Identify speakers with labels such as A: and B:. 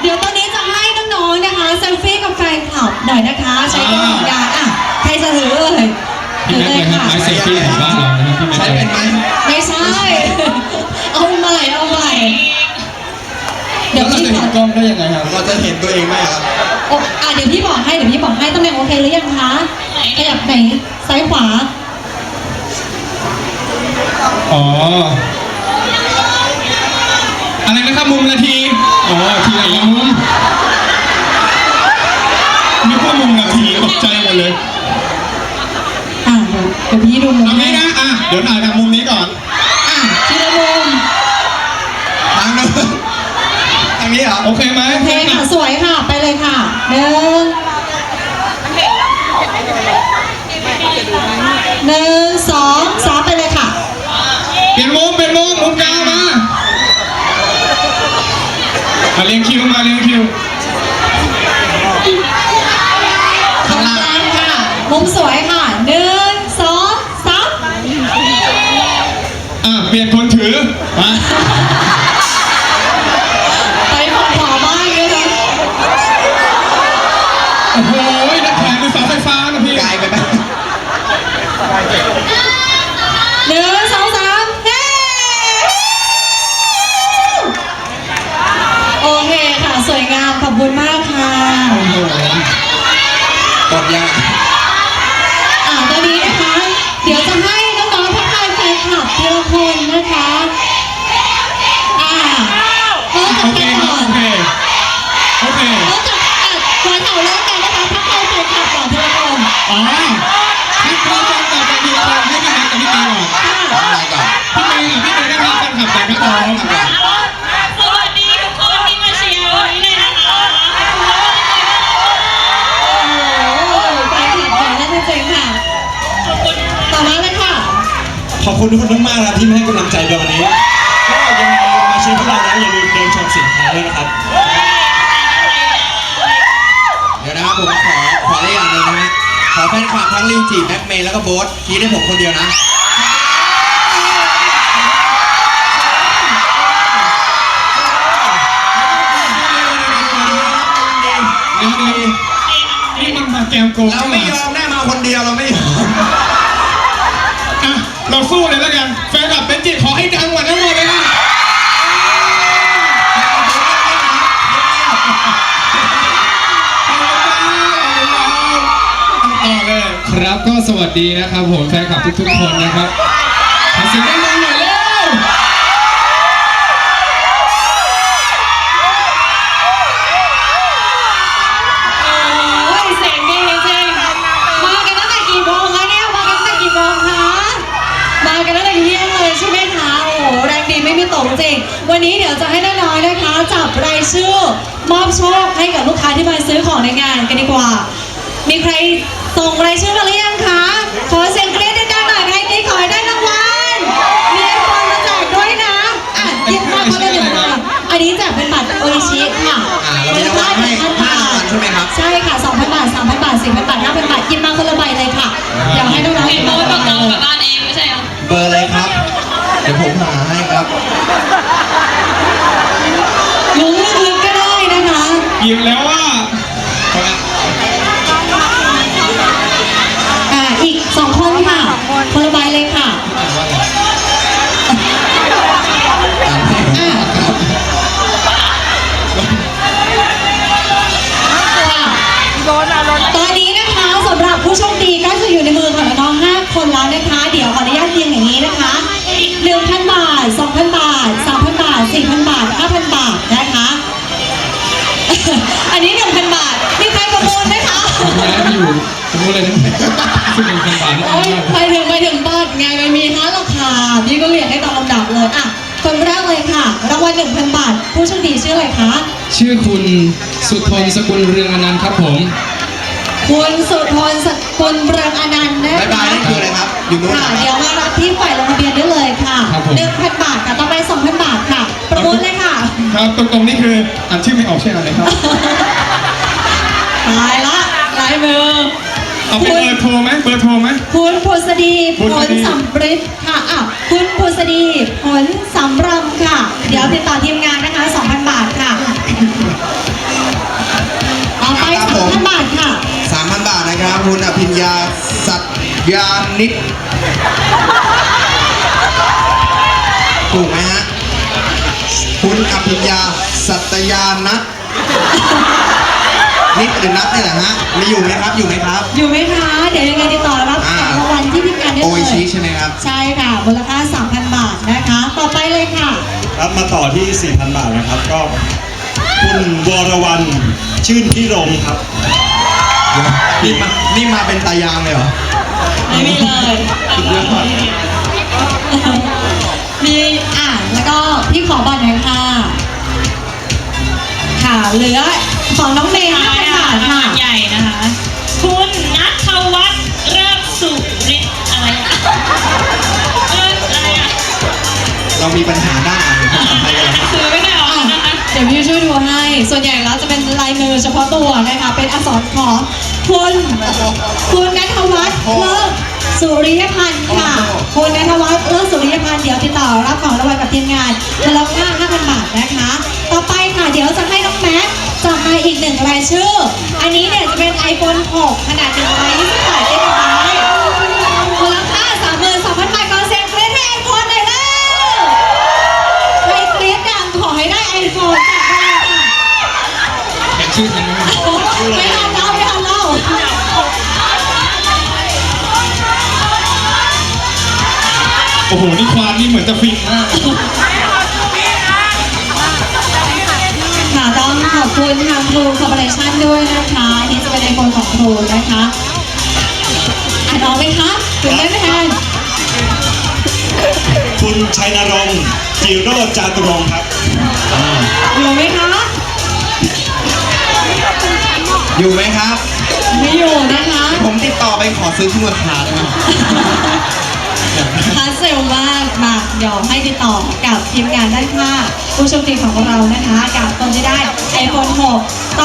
A: เดี๋ยวตอนนี้จะให้น้องๆนะคะเซลฟี่กับแฟนคลับหน่อยนะคะใช้กระดาษอ่ะใครจะถือเลย
B: พี่แม็กเลยครับไม้เซลฟี่ของบ้านเรานะครับพี่แม็ก
C: ใช้เป็นไหม
A: ไม่ใช่เอาใหม่เดี๋
B: แล้
A: ยว ว
B: เรา
A: พี่
B: จะ
A: ข
B: เห็
A: อน
B: กล้องได้ยังไงครับ
C: เราจะเห็นตัวเองไหมครับ
A: เดี๋ยวพี่บอกให้ตำแหน่งโอเคหรือยังคะขยับไหนซ้ายขวา
B: อ๋ออะไรนะครับมุมนาทีอ๋อทีละมุมนึกว่ามุมนาทีตกใจหมดเลย
A: เดี๋ยวพี่ดูมุม
B: ตรงนี้นะเดี๋ยวถ่ายทางมุมนี้ก่อน
A: ทีละมุม
C: ทางนู้นทางนี้เหรอ
B: โอเคไหม
A: โอเคค่ะสวยค่ะไปเลยค่ะหนึ่งสองสามไปเลยค่ะ
B: เปลี่ยนมุมมุมกลางมาเรียงคิว
A: ข้างล่างค่ะมุมสวยค่ะหนึ่งสองสาม
B: เปลี่ยนคนถือมา
A: ไปขอบ้างเลยนะ
B: โอ้โหนักแข่งคือเสาไฟฟ้านะพี่
C: ไกลไปไหม
A: หนึ่งสองสามเฮ้โอเคค่ะสวยงามขอบคุณมากค่ะ
C: กดยัง
A: ตอนนี้นะคะ เดี๋ยวจะให้น้องๆทักทายแฟนคลับทีละคนนะคะเริ่ม
B: โอ
A: จาก
B: เค
A: ใคร
B: ครับ
A: ก่อน
B: โอเค
A: เริ่มจากหัวแถวเริ่มกันนะคะทักทายแฟนคลับก่อนทีละคน
B: อ๋อให้พี่แม็กต่อไปทีละคนให้พี่แม็กกับพี่เตยก่อน
C: อะไรก่อน
B: พี่เตยได้รับแฟนคลับจากนักร้อง
D: สวัสดีทุกคนที่มาเชียร์วันนี้เลยนะคะ
A: โอ้โหแฟนคลับของนั่นจริงๆค่ะ
D: ขอบคุณ
A: ต่อมาเลยค่ะ
E: ขอบคุณทุกคนมากๆนะครับที่มาให้กำลังใจในวันนี้ก็ยังไงมาเชียร์พวกเรานะอย่าลืมเดินชมสินค้าด้วยนะครับ
C: เดี๋ยวนะครับผมขอได้อย่างหนึ่งนะฮะขอแฟนคลับทั้งลิวจีแม็กเมย์แล้วก็โบ๊ทคิดให้ผมคนเดียวนะ
B: นี่มันมาแกมโกง
C: เราไม่ยอมแน่มาคนเดียวเราไม่ยอม
B: เราสู้เลยแล้วกันแฟนคลับเป็นจิตขอให้ดังกว่าทั้งหมดเลยนะครับก็สวัสดีนะครับผมแฟนคลับทุกๆคนนะครับขอเสียงดังๆหน่อยเร็ว
A: โอ้ยเสียงดีจริงๆมากันตั้งแต่กี่โมงคะเนี่ยมากันตั้งแต่กี่โมงคะมากันตั้งแต่เที่ยงเลยใช่ไหมคะโอ้โหแรงดีไม่มีตกจริงวันนี้เดี๋ยวจะให้น้อยๆนะคะจับรายชื่อมอบโชคให้กับลูกค้าที่มาซื้อของในงานกันดีกว่ามีใครส่งรายชื่อมาหรือยังคะขอเสียงกรี๊ดดังๆหน่อยใครกรี๊ดขอให้ได้รางวัลมีไอโฟนมาแจกด้วยนะหยิบมาคนละหนึ่งมาอันนี้แจกเป็นบัตรโออิชิค่ะ
C: เรามีรางวัลให้5 รางวัลใช่ไหมครับ
A: ใช่ค่ะ 2,000 บาท 3,000 บาท 4,000 บาท 5,000 บาทหยิบมาคนละใบเลยค่ะเดี๋ยวให้น้องๆ
D: เห็นโน้ตบอกเรากลับบ้านเองไม่ใช่เหรอ
C: เบอร์อะไรครับ เดี๋ยวผมหาให้ครับ
A: ลุ้นลึกๆก็ได้นะคะ
B: หยิบแล้วว่า
A: อีก 2 คนค่ะคนละใบเลยค่ะตอนนี้นะคะสำหรับผู้โชคดีก็จะอยู่ในมือของน้องๆ5 คนแล้วนะคะ เดี๋ยวขออนุญาตเรียงอย่างนี้นะคะ 1,000 บาท 2,000 บาท 3,000 บาท 4,000 บาท 5,000 บาทนะคะ อันนี้ 1,000 บาทมีใครประมูลไหมคะ
B: ย้ายไปอยู่สมมติเลยนะซึ่งเป็นพันบาทนี่
A: โอ้ยไปถึงบัตรไงมันมี5 ราคาพี่ก็เรียงให้ตามลำดับเลยคนแรกเลยค่ะรางวัล 1,000 บาทผู้โชคดีชื่ออะไรคะ
B: ชื่อคุณสุทนสกุลเรืองอนันต์ครับผม
A: คุณสุทนสกุลเรืองอนันต์นะคะ
C: บ๊ายบายนั่นคืออะไรครับ อยู่นู้น
A: ค่ะ
C: นะ
A: เดี๋ยวมารับที่ฝ่ายลงทะเบียนได้เลยค่ะ 1,000 บาทค่ะต่อไป 2,000 บาทค่ะ ประมูลเลยค่ะ
B: ครับตรงๆนี่คืออ่านชื่อไม่ออกใช่ไหมครับ
A: ตายละลายมือ
B: เอาเป็นเบอร์โทรไหม
A: คุณผุษดี
B: ผุ
A: ผ
B: ษ
A: ล
B: ดี
A: สำริดค่ะคุณผุษดีผลสำรำค่ะ เดี๋ยวติดต่อทีมงานนะคะ 2,000 บาทค่ะ
C: ยานิดถูกไหมฮะคุณอภิญญาสัตยานัทนิดหรือนัทเนี่ยแหละฮะมีอยู่ไหมครับอยู่ไหมครับ
A: อยู่ไหมคะ เดี๋ยวยังไงติดต่อรับของรางวัลที่ทีมงานได้
C: โอ
A: เล
C: อิชิ
A: ย
C: ใช่ไหมครับ
A: ใช่ค่ะมูลค่า 3,000 บาทนะคะ ต่อไปเลยค่ะ
E: ครับมาต่อที่ 4,000 บาทนะครับ ก็คุณวรวรรณชื่นพิรมครับ
C: นี่มาเป็นตายางเลยเหรอ
A: ไม่มีเลย
C: สุดยอด
A: มีแล้วก็พี่ขอบัตรหน่อยค่ะ ค่ะเหลือของน้องเมย์
D: ท้าย
A: 5,000
D: ค่ะ
A: บาท
D: ราง
A: ค่ะ
D: วัลใหญ่นะคะ คุณนัทวัฒน์เริ่มสุริศอะไรอะอะไรอะ
C: เรามีปัญหาด้านอ่านภาษาไทยกันแล้ว
D: ซื้อไม่ได้ออกนะคะ
A: เดี๋ยวพี่ช่วยดูให้ ส่วนใหญ่แล้วจะเป็นลายมือเฉพาะตัวนะคะ เป็นอักษรของคุณณัฐวัฒน์เลิศสุริยพันธ์ค่ะ คุณณัฐวัฒน์เลิศสุริยพันธ์เดี๋ยวติดต่อรับของรางวัลกับทีมงานมูลค่า 5,000 บาทนะคะ ต่อไปค่ะเดี๋ยวจะให้น้องแม็กซ์จับมาอีกหนึ่งรายชื่อ อันนี้เนี่ยจะเป็น iPhone 6 ขนาด128 GB มูลค่า 32,000 บาทก็เซ็นเกรดให้ iPhone หน่อยแล้วใครเกรดดังขอให้ได้ iPhone กลับบ้านค่ะ
B: เห็นชื่อทันไหมครับ
A: ไม่ทันเล่าไม่ทันเล่า
B: โอ้โห นี่ความนี่เหมือนจะฟินมาก
A: ค่ะต้องขอบคุณทางครูคอร์ปอเรชั่นด้วยนะคะอันนี่จะเป็นไอโฟนของครูนะคะน้องไหมคะตื่นเต้นไหมคะ
E: คุณชัยนรงค์จิโรจน์จาตุรงค์ครับ
A: อยู่ไหมคะ
C: อยู่ไหมครับ
A: ไม่อยู่นะคะ
C: ผมติดต่อไปขอซื้อที่ราคาได้ไหม
A: คาเซลมากมาเดี๋ยวให้ติดต่อกับทีมงานด้านข้างผู้โชคดีของเรานะคะกับคนที่ได้ iPhone 6